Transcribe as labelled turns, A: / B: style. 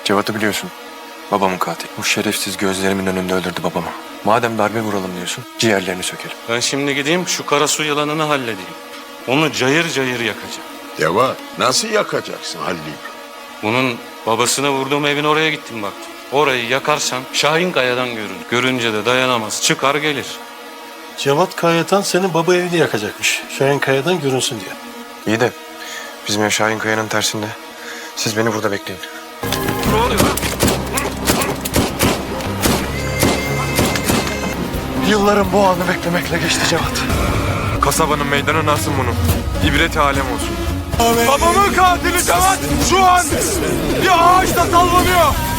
A: Cevat'ı biliyorsun. Babamın katili. Bu şerefsiz gözlerimin önünde öldürdü babamı. Madem darbe vuralım diyorsun, ciğerlerini sökelim.
B: Ben şimdi gideyim şu Karasu yılanını halledeyim. Onu cayır cayır yakacağım.
C: Cevat, nasıl yakacaksın Halil?
B: Bunun babasına vurduğum evin oraya gittim baktım. Orayı yakarsam Şahin Kaya'dan görür. Görünce de dayanamaz. Çıkar gelir.
D: Cevat Kayatan senin baba evini yakacakmış. Şahin Kaya'dan görünsün diye.
A: İyi de bizim ev Şahin Kaya'nın tersinde. Siz beni burada bekleyin.
B: Ne oluyor?
A: Yıllarım bu anı beklemekle geçti Cevat. Kasabanın meydanı nasıl bunun? İbret alem olsun. Babamın katili Cevat şu an bir ağaçta sallanıyor.